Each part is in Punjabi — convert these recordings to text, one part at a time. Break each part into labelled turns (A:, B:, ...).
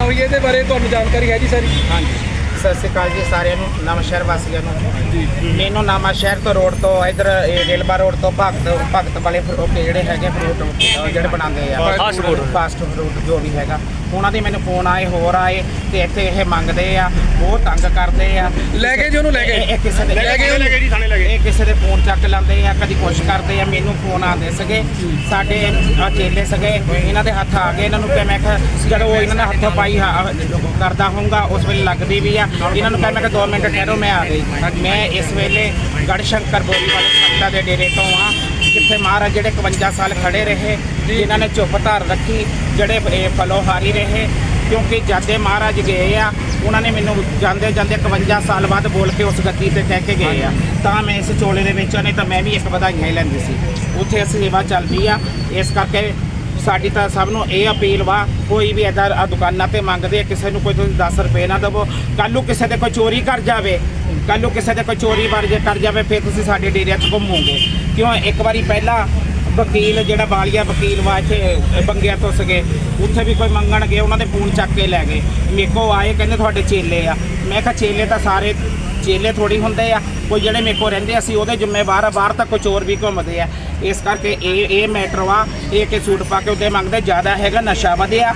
A: ਹੋਈ ਹੈ ਇਹਦੇ ਬਾਰੇ ਤੁਹਾਨੂੰ ਜਾਣਕਾਰੀ ਹੈ ਜੀ ਸਾਰੀ?
B: ਹਾਂਜੀ, ਸਤਿ ਸ਼੍ਰੀ ਅਕਾਲ ਜੀ ਸਾਰਿਆਂ ਨੂੰ, ਨਵਾਂ ਸ਼ਹਿਰ ਵਾਸੀਆਂ ਨੂੰ। ਮੈਨੂੰ ਨਵਾਂ ਸ਼ਹਿਰ ਤੋਂ ਰੋਡ ਤੋਂ ਇਧਰ ਰੇਲਵਾ ਰੋਡ ਤੋਂ ਭਗਤ ਵਾਲੇ ਜਿਹੜੇ ਹੈਗੇ ਫਰੂਟ ਜਿਹੜੇ ਬਣਾਉਂਦੇ ਆ ਫਾਸਟ ਫੂਡ ਜੋ ਵੀ ਹੈਗਾ, ਉਹਨਾਂ ਦੇ ਮੈਨੂੰ ਫੋਨ ਆਏ ਹੋਰ ਆਏ ਤੇ ਇੱਥੇ ਇਹ ਮੰਗਦੇ ਆ, ਬਹੁਤ ਤੰਗ ਕਰਦੇ ਆ।
A: ਲੈ ਗਏ ਜੀ ਉਹਨੂੰ, ਲੈ ਗਏ
B: ਇਹ ਕਿਸੇ ਦੇ
A: ਜੀ ਥਾਣੇ ਲੈ ਗਏ।
B: ਇਹ ਕਿਸੇ ਦੇ ਫੋਨ ਚੱਕ ਲੈਂਦੇ ਆ, ਕਦੀ ਕੁਛ ਕਰਦੇ ਆ। ਮੈਨੂੰ ਫੋਨ ਆਉਂਦੇ ਸੀਗੇ, ਸਾਡੇ ਚੇਲੇ ਸੀਗੇ, ਇਹਨਾਂ ਦੇ ਹੱਥ ਆ ਗਏ। ਇਹਨਾਂ ਨੂੰ ਕਿਹਾ, ਮੈਂ ਕਿਹਾ ਜਦੋਂ ਇਹਨਾਂ ਨੇ ਹੱਥ ਪਾਈ ਕਰਦਾ ਹੋਊਗਾ ਉਸ ਵੇਲੇ ਲੱਗਦੀ ਵੀ ਆ। ਇਹਨਾਂ ਨੂੰ ਕਿਹਾ, ਮੈਂ ਕਿਹਾ 2 ਮਿੰਟ ਠਹਿਰੋ, ਮੈਂ ਆ ਗਈ। ਮੈਂ ਇਸ ਵੇਲੇ ਗੜਸ਼ੰਕਰ ਬੋਰੀ ਵਾਲੇ ਸੰਤਾਂ ਦੇ ਡੇਰੇ ਤੋਂ ਆ, ਜਿੱਥੇ ਮਹਾਰਾਜ ਜਿਹੜੇ 51 ਸਾਲ ਖੜੇ ਰਹੇ, ਜਿਨ੍ਹਾਂ ਨੇ ਚੁੱਪ ਧਾਰ ਰੱਖੀ, ਜਿਹੜੇ ਫਲੋਹਾਰੀ ਰਹੇ। ਕਿਉਂਕਿ ਜਾਂਦੇ ਮਹਾਰਾਜ ਗਏ ਆ, ਉਹਨਾਂ ਨੇ ਮੈਨੂੰ ਜਾਂਦੇ 51 ਸਾਲ ਬਾਅਦ ਬੋਲ ਕੇ ਉਸ ਗੱਦੀ ਤੇ ਕਹਿ ਕੇ ਗਏ ਆ, ਤਾਂ ਮੈਂ ਇਸ ਚੋਲੇ ਦੇ ਵਿੱਚ ਨਹੀਂ ਤਾਂ ਮੈਂ ਵੀ ਇੱਕ ਵਧਾਈਆਂ ਹੀ ਲੈਂਦੀ ਸੀ। ਉੱਥੇ ਸੇਵਾ ਚੱਲਦੀ ਆ, ਇਸ ਕਰਕੇ ਸਾਡੀ ਤਾਂ ਸਭ ਨੂੰ ਇਹ ਅਪੀਲ ਵਾ, ਕੋਈ ਵੀ ਇੱਦਾਂ ਦੁਕਾਨਾਂ ਤੇ ਮੰਗਦੇ ਕਿਸੇ ਨੂੰ ਕੋਈ ਤੁਸੀਂ 10 ਰੁਪਏ ਨਾ ਦੇਵੋ। ਕੱਲ੍ਹ ਨੂੰ ਕਿਸੇ ਦੇ ਕੋਈ ਚੋਰੀ ਕਰ ਜਾਵੇ, ਕੱਲ੍ਹ ਨੂੰ ਕਿਸੇ ਦੇ ਕੋਈ ਚੋਰੀ ਕਰ ਜਾਵੇ, ਫਿਰ ਤੁਸੀਂ ਸਾਡੇ ਡੇਰਿਆਂ 'ਚ ਘੁੰਮੋਗੇ। ਕਿਉਂ ਇੱਕ ਵਾਰੀ ਪਹਿਲਾਂ ਵਕੀਲ ਜਿਹੜਾ ਬਾਲੀਆ ਵਕੀਲ ਵਾ ਇੱਥੇ ਬੰਗਿਆ ਤੋਂ ਸੀਗੇ, ਉੱਥੇ ਵੀ ਕੋਈ ਮੰਗਣ ਗਏ, ਉਹਨਾਂ ਦੇ ਫੋਨ ਚੱਕ ਕੇ ਲੈ ਗਏ। ਮੇਰੇ ਕੋਲ ਆਏ, ਕਹਿੰਦੇ ਤੁਹਾਡੇ ਚੇਲੇ ਆ। ਮੈਂ ਕਿਹਾ ਚੇਲੇ ਤਾਂ ਸਾਰੇ ਚੇਲੇ ਥੋੜੀ ਹੁੰਦੇ ਆ, ਕੋਈ ਜਿਹੜੇ ਮੇਰੇ ਕੋਲ ਰਹਿੰਦੇ ਅਸੀਂ ਉਹਦੇ ਜ਼ਿੰਮੇਵਾਰ ਆ, ਬਾਹਰ ਤੱਕ ਕੋਈ ਚੋਰ ਵੀ ਘੁੰਮਦੇ ਆ। ਇਸ ਕਰਕੇ ਇਹ ਮੈਟਰ ਵਾ, ਇਹ ਕਿ ਸੂਟ ਪਾ ਕੇ ਉਹਦੇ ਮੰਗਦੇ। ਜ਼ਿਆਦਾ ਹੈਗਾ ਨਸ਼ਾ ਵਧਿਆ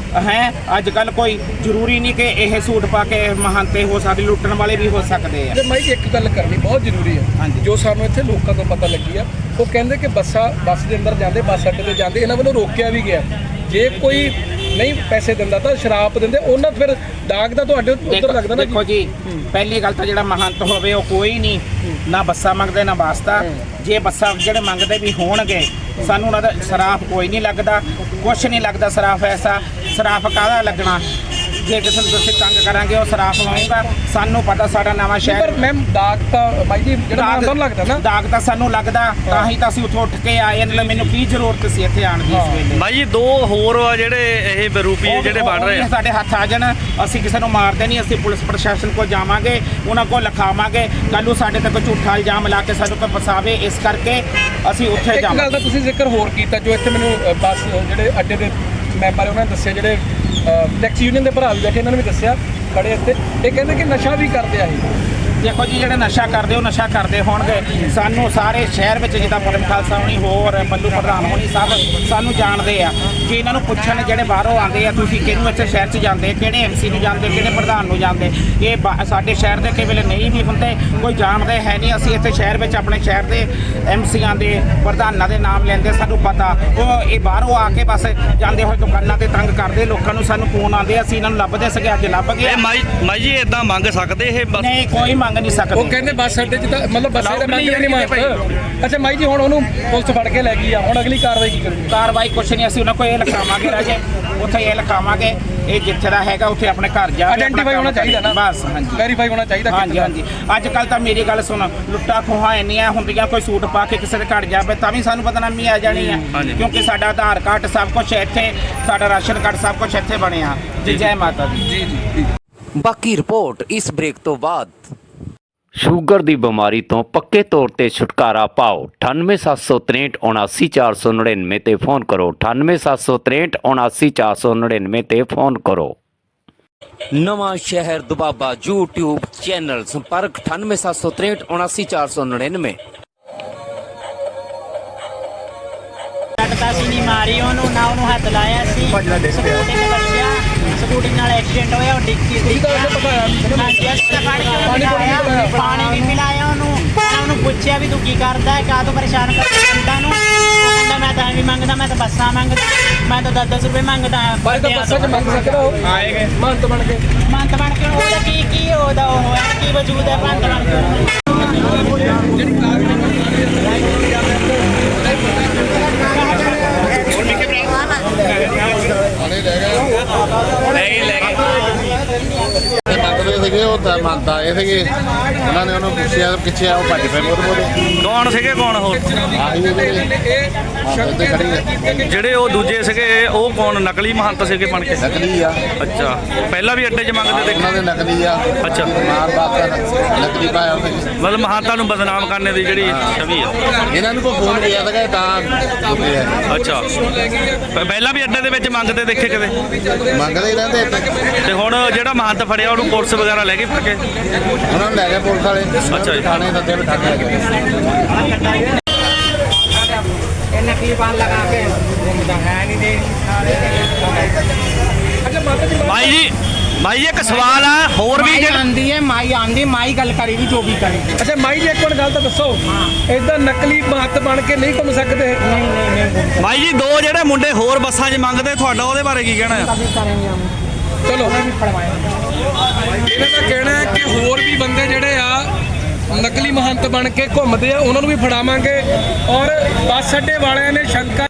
B: ਹੈ ਅੱਜ ਕੱਲ੍ਹ, ਕੋਈ ਜ਼ਰੂਰੀ ਨਹੀਂ ਕਿ ਇਹ ਸੂਟ ਪਾ ਕੇ ਮਹਾਨਤੇ ਹੋ ਸਕਦੇ, ਲੁੱਟਣ ਵਾਲੇ ਵੀ ਹੋ ਸਕਦੇ ਆ।
A: ਤੇ ਮੈਂ ਇੱਕ ਗੱਲ ਕਰਨੀ ਬਹੁਤ ਜ਼ਰੂਰੀ ਹੈ।
B: ਹਾਂਜੀ,
A: ਜੋ ਸਾਨੂੰ ਇੱਥੇ ਲੋਕਾਂ ਤੋਂ ਪਤਾ ਲੱਗੀ ਆ, ਉਹ ਕਹਿੰਦੇ ਕਿ ਬੱਸ ਦੇ ਅੰਦਰ ਜਾਂਦੇ, ਬੱਸ ਅੱਡੇ ਤੇ ਜਾਂਦੇ, ਇਹਨਾਂ ਵੱਲੋਂ ਰੋਕਿਆ ਵੀ ਗਿਆ। ਜੇ ਕੋਈ ਨਹੀਂ ਪੈਸੇ ਦਿੰਦਾ ਤਾਂ ਸ਼ਰਾਬ ਦਿੰਦੇ, ਉਹਨਾਂ ਫਿਰ ਦਾਗ ਦਾ ਤੁਹਾਡੇ ਉੱਧਰ ਲੱਗਦਾ ਨਾ।
B: ਦੇਖੋ ਜੀ, ਪਹਿਲੀ ਗੱਲ ਤਾਂ ਜਿਹੜਾ ਮਹੰਤ ਹੋਵੇ ਉਹ ਕੋਈ ਨਹੀਂ, ਨਾ ਬੱਸਾਂ ਮੰਗਦੇ ਨਾ ਵਾਸਤਾ। ਜੇ ਬੱਸਾਂ ਜਿਹੜੇ ਮੰਗਦੇ ਵੀ ਹੋਣਗੇ, ਸਾਨੂੰ ਉਹਨਾਂ ਦਾ ਸਰਾਫ ਕੋਈ ਨਹੀਂ ਲੱਗਦਾ, ਕੁਛ ਨਹੀਂ ਲੱਗਦਾ ਸਰਾਫ। ਐਸਾ ਸਰਾਫ ਕਾਹਦਾ ਲੱਗਣਾ? ਜੇ ਕਿਸੇ ਨੂੰ ਤੁਸੀਂ ਤੰਗ ਕਰਾਂਗੇ ਉਹ ਸਰਾਫ ਲਾਊਗਾ। ਸਾਨੂੰ ਪਤਾ ਸਾਡਾ ਨਵਾਂ ਸ਼ਹਿਰ,
A: ਪਰ ਮੈਮ ਦਾਗ ਤਾਂ ਬਾਈ ਜੀ ਜਿਹੜਾ ਤੁਹਾਨੂੰ ਲੱਗਦਾ ਨਾ,
B: ਦਾਗ ਤਾਂ ਸਾਨੂੰ ਲੱਗਦਾ, ਤਾਂ ਹੀ ਤਾਂ ਅਸੀਂ ਉੱਥੋਂ ਉੱਠ ਕੇ ਆਏ। ਇਹਨਾਂ ਲਈ ਮੈਨੂੰ ਕੀ ਜ਼ਰੂਰਤ ਸੀ ਇੱਥੇ ਆਉਣ ਦੀ ਇਸ ਵੇਲੇ?
C: ਬਾਈ ਜੀ 2 ਹੋਰ ਜਿਹੜੇ ਇਹ ਬਰੂਪੀ ਜਿਹੜੇ ਬਣ ਰਹੇ ਆ,
B: ਸਾਡੇ ਹੱਥ ਆ ਜਾਣ, ਅਸੀਂ ਕਿਸੇ ਨੂੰ ਮਾਰਦੇ ਨਹੀਂ। ਅਸੀਂ ਪੁਲਿਸ ਪ੍ਰਸ਼ਾਸਨ ਕੋਲ ਜਾਵਾਂਗੇ, ਉਹਨਾਂ ਕੋਲ ਲਿਖਾਵਾਂਗੇ। ਕੱਲ੍ਹ ਨੂੰ ਸਾਡੇ ਤੇ ਕੋਈ ਝੂਠਾ ਇਲਜ਼ਾਮ ਲਾ ਕੇ ਸਾਨੂੰ ਕੋਈ ਫਸਾਵੇ, ਇਸ ਕਰਕੇ ਅਸੀਂ ਉੱਥੇ ਜਾਵਾਂਗੇ।
A: ਇੱਕ ਗੱਲ ਦਾ ਤੁਸੀਂ ਜ਼ਿਕਰ ਹੋਰ ਕੀਤਾ, ਜੋ ਇੱਥੇ ਮੈਨੂੰ ਬੱਸ ਜਿਹੜੇ ਅੱਡੇ ਦੇ ਮੈਂਬਰ ਉਹਨਾਂ ਨੇ ਦੱਸਿਆ, ਜਿਹੜੇ ਟੈਕਸੀ ਯੂਨੀਅਨ ਦੇ ਭਰਾ ਵੀ ਬੈਠੇ, ਇਹਨਾਂ ਨੇ ਵੀ ਦੱਸਿਆ ਖੜੇ ਇੱਥੇ, ਇਹ ਕਹਿੰਦੇ ਕਿ ਨਸ਼ਾ ਵੀ ਕਰਦੇ ਆ ਇਹ।
B: ਦੇਖੋ ਜੀ, ਜਿਹੜੇ ਨਸ਼ਾ ਕਰਦੇ ਉਹ ਨਸ਼ਾ ਕਰਦੇ ਹੋਣਗੇ। ਸਾਨੂੰ ਸਾਰੇ ਸ਼ਹਿਰ ਵਿੱਚ ਜਿੱਦਾਂ ਪਰਮ ਖਾਲਸਾ ਹੋਣੀ, ਹੋਰ ਮੱਲੂ ਪ੍ਰਧਾਨ ਹੋਣੀ, ਸਭ ਸਾਨੂੰ ਜਾਣਦੇ ਆ। ਕਿ ਇਹਨਾਂ ਨੂੰ ਪੁੱਛਣ ਜਿਹੜੇ ਬਾਹਰੋਂ ਆਉਂਦੇ ਆ, ਤੁਸੀਂ ਕਿਹਨੂੰ ਇੱਥੇ ਸ਼ਹਿਰ 'ਚ ਜਾਂਦੇ, ਕਿਹੜੇ MC ਨੂੰ ਜਾਂਦੇ, ਕਿਹੜੇ ਪ੍ਰਧਾਨ ਨੂੰ ਜਾਂਦੇ। ਇਹ ਸਾਡੇ ਸ਼ਹਿਰ ਦੇ ਕਈ ਵੇਲੇ ਨਹੀਂ ਵੀ ਹੁੰਦੇ, ਕੋਈ ਜਾਣਦੇ ਹੈ ਨਹੀਂ। ਅਸੀਂ ਇੱਥੇ ਸ਼ਹਿਰ ਵਿੱਚ ਆਪਣੇ ਸ਼ਹਿਰ ਦੇ MCਆਂ ਦੇ ਪ੍ਰਧਾਨਾਂ ਦੇ ਨਾਮ ਲੈਂਦੇ, ਸਾਨੂੰ ਪਤਾ। ਉਹ ਇਹ ਬਾਹਰੋਂ ਆ ਕੇ ਬਸ ਜਾਂਦੇ ਹੋਏ ਦੁਕਾਨਾਂ ਤੇ ਤੰਗ ਕਰਦੇ ਲੋਕਾਂ ਨੂੰ। ਸਾਨੂੰ ਫੋਨ ਆਉਂਦੇ, ਅਸੀਂ ਇਹਨਾਂ ਨੂੰ ਲੱਭਦੇ ਸੀਗੇ, ਅੱਜ ਲੱਭ ਗਏ।
C: ਮਾਈ ਜੀ ਇਦਾਂ ਮੰਗ ਸਕਦੇ ਇਹ?
B: ਨਹੀਂ, ਕੋਈ ਮੰਗ ਨਹੀਂ ਸਕਦੇ।
A: ਉਹ ਕਹਿੰਦੇ ਬੱਸ ਅੱਡੇ 'ਚ ਤਾਂ ਮਤਲਬ ਬੱਸੇ ਦਾ ਮੰਗ ਨਹੀਂ ਮੰਗਦੇ। ਅੱਛਾ ਮਾਈ ਜੀ, ਹੁਣ ਉਹਨੂੰ ਪੁਲਿਸ ਫੜ ਕੇ ਲੈ ਗਈ ਆ, ਹੁਣ ਅਗਲੀ ਕਾਰਵਾਈ ਕੀ ਕਰੂਗੀ?
B: ਕਾਰਵਾਈ ਕੁਛ ਨਹੀਂ, ਅਸੀਂ ਉਹਨਾਂ ਕੋਲ ਇਹ ਲਿਖਾਵਾਂਗੇ ਰਾਜੇ, ਉੱਥੇ ਇਹ ਲਿਖਾਵਾਂਗੇ, ਇਹ ਜਿੱਥੇ ਦਾ ਹੈਗਾ ਉੱਥੇ ਆਪਣੇ ਘਰ ਜਾ।
A: ਆਇਡੈਂਟੀਫਾਈ ਹੋਣਾ ਚਾਹੀਦਾ ਨਾ, ਬਸ।
B: ਹਾਂਜੀ,
A: ਵੈਰੀਫਾਈ ਹੋਣਾ ਚਾਹੀਦਾ।
B: ਹਾਂਜੀ ਹਾਂਜੀ। ਅੱਜ ਕੱਲ ਤਾਂ ਮੇਰੀ ਗੱਲ ਸੁਣ, ਲੁੱਟਾਂ ਖੋਹਾਂ ਇੰਨੀਆਂ ਹੁੰਦੀਆਂ, ਕੋਈ ਸੂਟ ਪਾ ਕੇ ਕਿਸੇ ਦੇ ਘਰ ਜਾਵੇ ਤਾਂ ਵੀ ਸਾਨੂੰ ਬਦਨਾਮੀ ਆ ਜਾਣੀ ਆ। ਕਿਉਂਕਿ ਸਾਡਾ ਆਧਾਰ ਕਾਰਡ ਸਭ ਕੁਝ ਇੱਥੇ, ਸਾਡਾ ਰਾਸ਼ਨ ਕਾਰਡ ਸਭ ਕੁਝ ਇੱਥੇ ਬਣਿਆ। ਜੀ ਜੈ ਮਾਤਾ ਦੀ।
A: ਜੀ ਜੀ।
D: ਬਾਕੀ ਰਿਪੋਰਟ ਇਸ ਬ੍ਰੇਕ ਤੋਂ ਬਾਅਦ।
E: ਸ਼ੂਗਰ ਦੀ ਬਿਮਾਰੀ ਤੋਂ ਪੱਕੇ ਤੌਰ ਤੇ ਛੁਟਕਾਰਾ ਪਾਓ। 9876379499 ਤੇ ਫੋਨ ਕਰੋ। 9876379499 ਤੇ ਫੋਨ ਕਰੋ।
D: ਨਵਾਂ ਸ਼ਹਿਰ ਦੁਬਾਬਾ YouTube ਚੈਨਲ, ਸੰਪਰਕ 9876379499।
F: ਤਾਂ ਅਸੀਂ ਨਹੀਂ ਮਾਰੀ ਉਹਨੂੰ, ਨਾ ਉਹਨੂੰ ਹੱਥ ਲਾਇਆ ਸੀ। ਸਕੂਟੀ ਤੇ ਵੱਜਿਆ, ਸਕੂਟੀ ਨਾਲ ਐਕਸੀਡੈਂਟ ਹੋਇਆ, ਉਹ ਡਿੱਗੀ ਸੀ। ਪਾਣੀ ਵੀ ਪਿਲਾਇਆ ਉਹਨੂੰ, ਉਹਨੂੰ ਪੁੱਛਿਆ ਵੀ ਤੂੰ ਕੀ ਕਰਦਾ ਹੈ, ਕਾਹ ਤੋਂ ਪਰੇਸ਼ਾਨ ਕਰਦਾ ਜਨਤਾ ਨੂੰ। ਉਹ ਕਹਿੰਦਾ ਮੈਂ ਤਾਂ ਐਵੇਂ ਮੰਗਦਾ, ਮੈਂ ਤਾਂ ਬੱਸਾਂ ਮੰਗਦਾ, ਮੈਂ ਤਾਂ 10-10 ਰੁਪਏ ਮੰਗਦਾ।
A: ਬੱਸਾਂ 'ਚ ਮੰਗ ਸਕਦਾ ਉਹ, ਆਏਗੇ ਮੰਤ ਬਣ ਕੇ।
F: ਉਹਦਾ ਕੀ ਉਹਦਾ ਉਹ ਹੈ, ਕੀ ਵਜੂਦ ਹੈ ਮੰਤ ਬਣ ਕੇ?
G: ਮੰਗਦੇ ਸੀਗੇ ਸੀਗੇ ਉਹ ਤਾਂ ਮੰਨਦਾ ਇਹ ਸੀਗੇ ਉਹਨਾਂ ਨੇ ਉਹਨੂੰ ਪੁੱਛਿਆ ਪਿੱਛੇ ਆ ਉਹ ਭੱਜ ਪਏ ਬੋਲ
C: ਕੌਣ ਸੀਗੇ ਕੌਣ ਹੋਰ
G: ਆਹੀ ਉਹਦੇ
A: ਸ਼ੰਕਰ
G: ਖੜੀ ਹੈ।
A: ਕੀਤੇ ਗਏ।
C: ਜਿਹੜੇ ਉਹ ਦੂਜੇ ਸੀਗੇ ਉਹ ਕੌਣ ਨਕਲੀ ਮਹੰਤ ਸੀਗੇ ਬਣ ਕੇ
G: ਨਕਲੀ ਆ
C: ਅੱਛਾ ਪਹਿਲਾਂ ਵੀ ਅੱਡੇ 'ਚ ਮੰਗਦੇ ਤੇ
G: ਉਹਨਾਂ ਦੇ ਨਕਲੀ ਆ
C: ਅੱਛਾ।
G: ਮਾਰ ਬਾਪ ਨਕਲੀ ਪਾਇਆ ਉਹਨੇ
C: ਮਤਲਬ ਮਹੰਤਾਂ ਨੂੰ ਬਦਨਾਮ ਕਰਨੇ ਦੀ ਜਿਹੜੀ ਛਵੀ ਆ
G: ਇਹਨਾਂ ਨੂੰ ਕੋਈ ਫੋਨ ਗਿਆ ਸੀਗਾ ਤਾਂ ਹੁੰਦੇ ਆ
C: ਅੱਛਾ ਪਹਿਲਾਂ ਵੀ ਅੱਡੇ ਦੇ ਵਿੱਚ ਮੰਗਦੇ ਦੇਖੇ ਕਦੇ
G: ਮੰਗਦੇ ਹੀ ਰਹਿੰਦੇ ਇੱਥੇ।
C: ਤੇ ਹੁਣ ਜਿਹੜਾ ਮਹੰਤ ਫੜਿਆ ਉਹਨੂੰ ਪੁਲਿਸ ਵਗੈਰਾ ਲੈ ਗਈ ਫੜ ਕੇ
G: ਉਹਨਾਂ ਨੂੰ ਲੈ ਗਏ ਪੁਲਿਸ ਵਾਲੇ
C: ਅੱਛਾ ਜੀ।
G: ਥਾਣੇ ਸੱਦੇ ਬਿਠਾ ਕੇ ਲੈ ਗਏ
B: ਨਕਲੀ ਬਾਲ ਲਗਾ ਕੇ ਘੁੰਮਦਾ ਹੈ ਨਹੀਂ ਦੇ
A: ਅੱਛਾ ਮਾਤਾ ਜੀ
C: ਭਾਈ ਜੀ ਇੱਕ ਸਵਾਲ ਆ ਹੋਰ ਵੀ ਜਿਹੜਾ
B: ਆਂਦੀ ਹੈ ਮਾਈ ਗੱਲ ਕਰੇਗੀ ਜੋ ਵੀ ਕਰੇਗੀ
A: ਅੱਛਾ ਮਾਈ ਜੀ ਇੱਕ ਮਿੰਟ ਗੱਲ ਤਾਂ ਦੱਸੋ ਇਦਾਂ ਨਕਲੀ ਮਹੰਤ ਬਣ ਕੇ ਨਹੀਂ ਘੁੰਮ ਸਕਦੇ
C: ਭਾਈ ਜੀ ਦੋ ਜਿਹੜੇ ਮੁੰਡੇ ਹੋਰ ਬੱਸਾਂ 'ਚ ਮੰਗਦੇ ਤੁਹਾਡਾ ਉਹਦੇ ਬਾਰੇ ਕੀ ਕਹਿਣਾ ਆ
A: ਚਲੋ ਇਹਨਾਂ ਦਾ ਕਹਿਣਾ ਹੈ ਕਿ ਹੋਰ ਵੀ ਬੰਦੇ ਜਿਹੜੇ ਆ ਨਕਲੀ ਮਹੰਤ ਬਣ ਕੇ ਘੁੰਮਦੇ ਆ ਉਹਨਾਂ ਨੂੰ ਵੀ ਫੜਾਵਾਂਗੇ ਔਰ ਬੱਸ ਅੱਡੇ ਵਾਲਿਆਂ ਨੇ ਸ਼ੰਕਾ